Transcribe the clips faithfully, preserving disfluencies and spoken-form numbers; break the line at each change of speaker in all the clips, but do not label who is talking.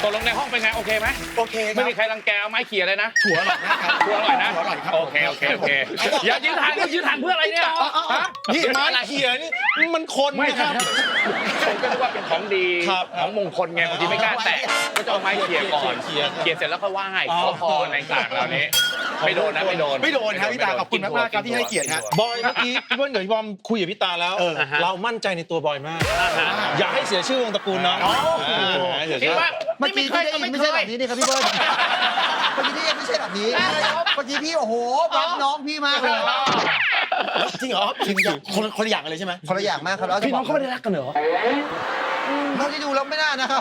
ตกลงในห้องเป็นไงโอเคไหม
โอเคครับ
ไม่มีใครรังแกเอาไม้เขี่ยเลยนะ
ถั่วอร่อยนะครับ
ถั่วอร่อยนะ
ถั่วอร่อยครับ
โอเคโอเคโอเคอย่ายืนห่างก็ยืนห่างเพื่ออะไรเนี่ยฮะ
นี่ไม้เขี่ยนี่มันคน
ไม่
นะ
ค
ค
รั
รั
บบ ผมก็นึกว่าเป็นของดี
ครับ
ของมงคลไงบางทีไม่กล้าแตะก็จะเอาไม้เขี่ยก่อน
เขี่ย
เขี่ยเสร็จแล้วก็ไหว้ขอพรในต่างๆเหล่านี้ไม่โดนนะไม่โดน
ไม่โดนครับพี่ตาขอบคุณมากๆครับที่ให้เกียรติฮะ
บอยเมื่อกี้พี่เบิ้ลกับพี่บอมคุยกับพี่ตาแล้ว
เออ
เรามั่นใจในตัวบอยมาก อย่าให้เสียชื่อวงตระกูลน้อง
คิดว่า
เมื่
ไม่
อ
มี
กี้
ใคร
ที่ได้
ก็
ยิน
ไม่
ไม่
เค
ใช่แบ
ย
บนี้นี่ครับพี่เบิ้ลเมื่อกี้ที่ยังไม่ใช่แบบนี้ เมื่อกี้พี่โอ้โหรักน้องพี่มากเลย
จริงเหรอจริงอย่างคนคนละอย่างกันเลยใช่ไหม
คนละอย่างมากครับแล้ว
พี่น้องเขาไม่ได้รักกันเหรอ
เท่าที่ดูแล้วไม่น่านะครับ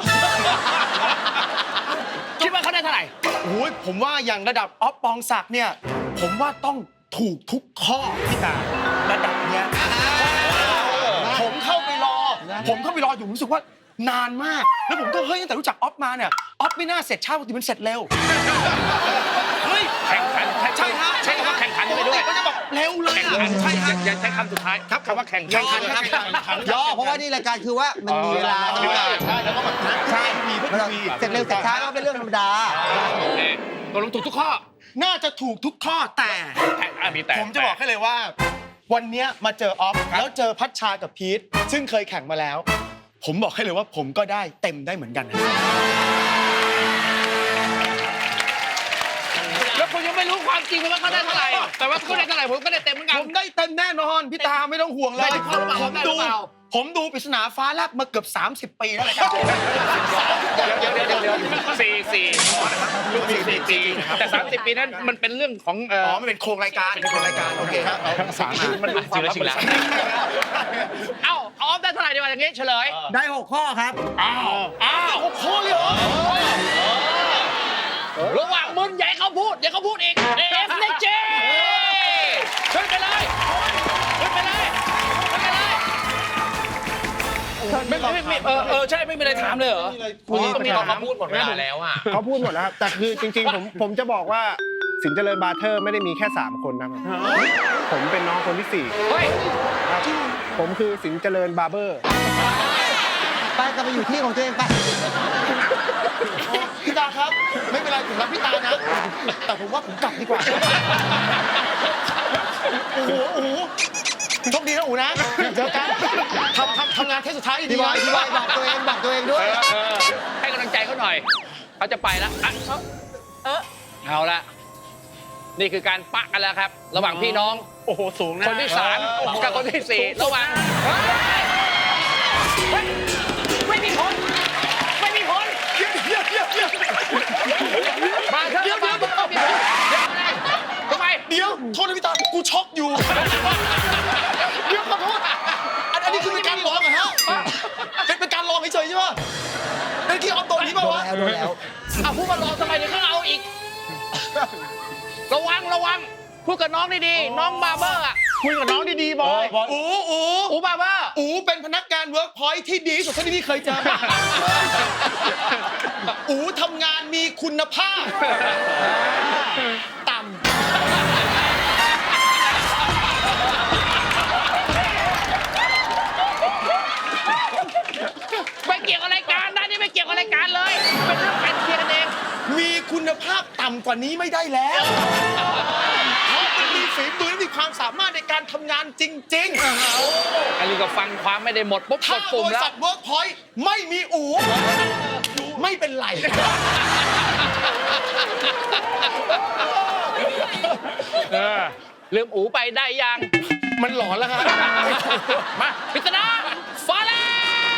คิดว่าเขาได้เท่าไหร่
โอ้ยผมว่าอย่างระดับออฟปองศักดิ์เนี่ยผมว่าต้องถูกทุกข้อพี่ตาระดับเนี้ยผมเข้าไปรอ ผมเข้าไปรออยู่ผมรู้สึกว่านานมาก แล้วผมก็เฮ้ยตั้งแต่รู้จักออฟมาเนี่ยออฟไม่น่าเสร็จช้าปกติมันเสร็จเร็วเฮ้ย
แข่งขัน
ใช่ฮะ
ใช้คำว่าแข่งขันไปด้วย
มันจะแบบเร็วเลย
แข่ง
อะ
ขัน
ใช่ฮะ
อย่าใช้คำสุดท้ายครับคำว่าแข่ง
แข่งขัน
ครับ
ย่อเพราะว่านี่รายการคือว่ามันมีเวลา
มีเวลา
ใช่แล้วก็แบบใช่มีเพื่อมี
เสร็จเร็วเสร็จช้าก็เป็นเรื่องธรรมดา
โอเคตกลงถูกทุกข้อ
น่าจะถูกทุกข้อแต่
แต่อ่ะมีแต่
ผมจะบอกให้เลยว่า วันเนี้ยมาเจอออฟแล้วเจอพัชชากับพีทซึ่งเคยแข่งมาแล้ว ผมบอกให้เลยว่าผมก็ได้เต็มได้เหมือนกันนะ
แล้วคุณยังไม่รู้ความจริงว่าเขาได้เท่าไหร่แต่ว่าคุณได้เท่าไหร่ผมก็ได้เต็มเหมือนกัน
ผมได้เต็มแน่นอนพี่ตาไม่ต้องห่วงเล
ได้
ย
ทุกข้อหรือเปล่า
ผม
ได้หรื
ดู
อเปล่า
ผมดูปริศนาฟ้าแลบมาเกือบสามสิบปีแล้วเลยครับ
เดี๋ยวเดี๋ยวเดี๋ยวเดี๋ยวสี่สี่สี่สี่ปีแต่สามสิบปีนั้นมันเป็นเรื่องของเอ่
อ๋
อ
อมันเป็นโครงรายการเป็นโครงรายการโอเคครับ
สามมันเป็นความลับบริษัทเอ้าออฟได้เท่าไหร่ดีกว่าอย่างงี้เฉลย
ได้หกข้อครับ
อ้าวอ้าว
โอ้โหเลยเหรอ
ระหว่างมึนอย่าให้เขาพูดอย่าเขาพูดอีกเอฟเนเจขึ้นไปเลยขึ้นไปเลยขึ้นไปเลยไม่ไม่ไม่เออเออใช่ไม่มีอะไรถามเลยเหรอคุณก็มีเราเขาพูดหมดเวลาแล้วอ่ะ
เขาพูดหมดแล้วครับ แต่คือจริงๆ ผมผมจะบอกว่าสินเจริญบาร์เทอร์ไม่ได้มีแค่ สาม คนนะครับ ผมเป็นน้องคนที่สี่
เฮ้ย
ครับผมคือสินเจริญบาร์เบอร์
ไปกลับไปอยู่ที่ของตัวเองไป
พี่ตาครับ ไม่เป็นไรผมรักพี่ตานะ แต่ผมว่าผมกลับดีกว่าโอ้โหโอ้โหโชคดีนะอูนะเจอกันทำทำทำงานเทสสุดท้ายดี
พี่บอยพี่บอยบอกตัวเองบอกตัวเองด้วย
เออให้กำลังใจเขาหน่อยเขาจะไปแล้วอ่ะเออเอาละนี่คือการปะกันแล้วครับ ระหว่างพี่น้อง
โอ้โห สูงนะ
คนที่สามกับคนที่สี่ระหว่างเฮ้ยไม่มีผลไม่มีผล
เยี่ยมเยี่ยมเยี่ยม
มาเถอะมาเถอะมีผลทำไม
เดี๋ยวโทษนะพี่ตากูช็อกอยู่เดี๋ยวขอโทษอันอันนี้คือเป็นการร้องเหรอฮะเป็นเป็นการร้องเฉยๆใช่ป่ะเป็นที่เอาตัวนี้ป่ะ
โดน
วะ
แล้วโดนแล้ว
เอาพูดมารอทำไมเดี๋ยวเขาเอาอีก ระวังระวังพูดกับน้องดีๆน้องบาร์เบอร์อ่ะคุยกับน้องดีๆบอย
อูอู
อูบาร์เบอร์
อูเป็นพนักงานเวิร์กพอยท์ที่ดีที่สุดเท่าที่พี่เคยเจอมาอูทำงานมีคุณภาพต่ำ
ไม่เกี่ยวกับรายการนะนี่ไม่เกี่ยวกับรายการเลยเป็นเรื่องการเคลียร์กันเอง
มีคุณภาพต่ำกว่านี้ไม่ได้แล้วเขาเป็นมีฝีมือและมีความสามารถในการทำงานจริงๆ
อันนี้ก็ฟังความไม่ได้หมดปุ๊บก
ถ้า
ด
บ
ปุ่ม
ริ
แล้ว
ษัทเวิร์กพอยต์ไม่มีอูไม่เป็นไร
เออลืมอูไปได้ยัง
มันหลอนแล้วครับ
มาพิจารณาฟ้าแลบ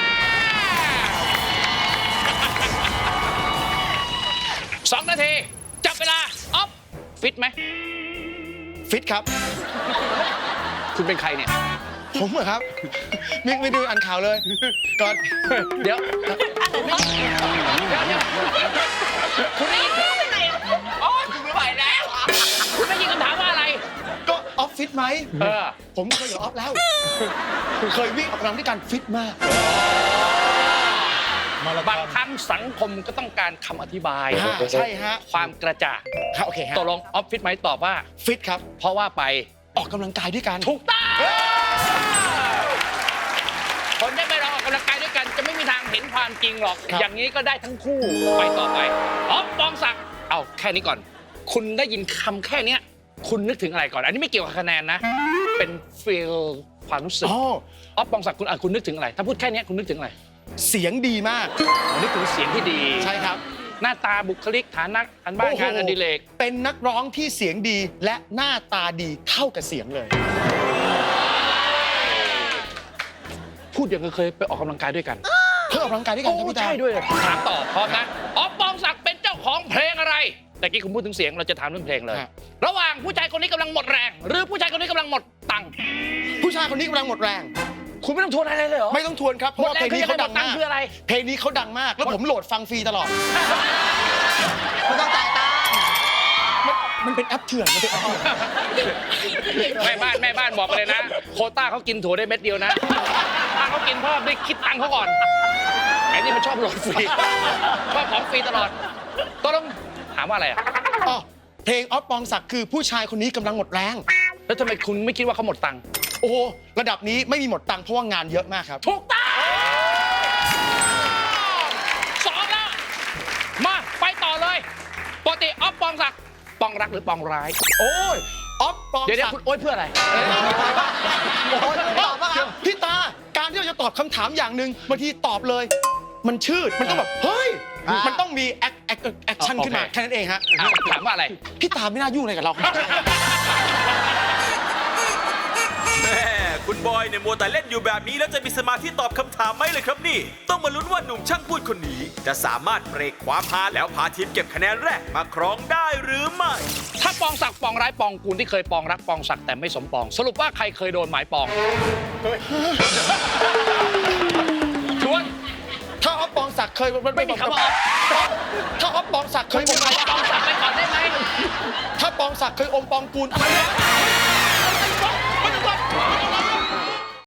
สองนาที จับเวลา ออฟ ฟิตไหม
ฟิตครับ
คุณเป็นใครเนี่ย
ผมเหรอครับมิกไม่ดูอ่านข่าวเลยก่อน
เดี๋ยว คุณได้ยินโอ๊ยคุณไม่ไหวแล้ว คุณได้ยินคำถามว่าอะไร
ก็ออฟฟิตไหม
เออ
ผมเคยอยู่ออฟแล้วเคยวิ่งออกกำลังด้วยกันฟิตมาก
บางครั้งสังคมก็ต้องการคำอธิบาย
อ่าใช่ฮะ
ความกระจ่าง
ครับโอเคฮะ
ตกลงออฟฟิศไหมตอบว่า
ฟิตครับ
เพราะว่าไป
ออกกำลังกายด้วยกัน
ถูกต้องคนได้ไปเราออกกำลังกายด้วยกัน จะไม่มีทางเห็นความความจริงหรอก
ครับ
อย่างนี้ก็ได้ทั้งคู่ไปต่อไปอ๊อฟปองศักดิ์เอาแค่นี้ก่อน คุณได้ยินคำแค่เนี้ยคุณนึกถึงอะไรก่อน อันนี้ไม่เกี่ยวกับคะแนนนะ เป็นฟีลความรู้สึก
อ๋อ
อ๊อฟปองศักดิ์คุณอ่ะคุณนึกถึงอะไร ถ้าพูดแค่เนี้ยคุณนึกถึงอะไร
เสียงดีมาก
อ๋อนึกถึงเสียงที่ดี
ใช่ครับ
หน้าตาบุคลิกฐานะอันบ้าน
โอ้โห
งานอดิเรก
เป็นนักร้องที่เสียงดีและหน้าตาดีเท่ากับเสียงเลย
พูดอย่างกับเคยไปออกกำลังกายด้วยกัน
เพื่อออกกำลังกายด้วยกันครับพี่ตา
ใช่ด้วยถามต่อพร้อมนะอ๊อฟปองศักดิ์เป็นเจ้าของเพลงอะไร แต่กี้คุณพูดถึงเสียงเราจะถามเรื่องเพลงเลย
ครับ
ระหว่างผู้ชายคนนี้กำลังหมดแรง หรือผู้ชายคนนี้กำลังหมดตังค์
ผู้ชายคนนี้กำลังหมดแรง
คุณไม่ต้องทวนอะไรเลยเหรอ
ไม่ต้องทวนครับเพ
หม
ราะ
ด
ว่า
แร
เพล
ง
ง
คือ
นี้
ยังไงหม
เขาดั
ด
ง
ตัง
มา
ค์
ก
คืออะไร
เพลงนี้เขาดังมาก แล้วผมโหลดฟังฟรีตลอด
ไม่ต้องจ่ายตังค์
มันมันเป็นแอปเถื่อน มันเป็นแอปเถื่อน
แม่บ้านแม่บ้านบอกไปเลยนะ โควต้าเขากินถั่วได้เม็ดเดียวนะ ถ้าเขากินเพิ่มได้คิดตังค์เขาก่อนไอ้นี่มันชอบโหลดฟรีชอบของฟรีตลอดก็ต้องถามว่าอะไรอ่ะ
อ๋อเพลงออฟปองศักดิ์คือผู้ชายคนนี้กำลังหมดแรง
แล้วทำไมคุณไม่คิดว่าเขาหมดตังค์
โอ้โหระดับนี้ไม่มีหมดตังค์เพราะว่างานเยอะมากครับ
ถูกต้องสองแล้วมาไปต่อเลยปกติอ๊อฟปองศักดิ์ปองรักหรือปองร้าย
โอ้ยออฟปอง
เดี๋ยวเดี๋ย
ศั
ว
ก
คุณ
ดิ์
โอ๊ยเพื่ออะไร
โอ้ยตอบว่าพี่ตา การที่เราจะตอบคำถามอย่างหนึ่งบางทีตอบเลย มันชืด มันต้องแบบ เฮ้ย มันต้องมีแอคแอคแอคชั่น
โอเค
ขึ้นมา แค่นั้นเองฮะ
อ่ะถามว่าอะไร
พี่ตาไม่น่ายุ่งอะไรกับเราครับ
แม่คุณบอยเนี่ยมัวแต่เล่นอยู่แบบนี้แล้วจะมีสมาธิตอบคำถามไหมเลยครับนี่ ต้องมาลุ้นว่าหนุ่มช่างพูดคนนี้ จะสามารถเบรกความฮาแล้วพาทีมเก็บคะแนนแรกมาครองได้หรือไม่
ถ้าปองศักดิ์ปองร้ายปองกูลที่เคยปองรักปองศักดิ์แต่ไม่สมปอง สรุปว่าใครเคยโดนหมายปองชวน
ถ้าออฟปองศักดิ์เคย
ไม่มีคำว่าออฟ
ถ้าออฟปองศักดิ์เคยอม
ปองศักดิ์ไปก่อนได้ไหม
ถ้าปองศักดิ์เคยอมปองกูลอะไรวะ
ไม่ต้องกด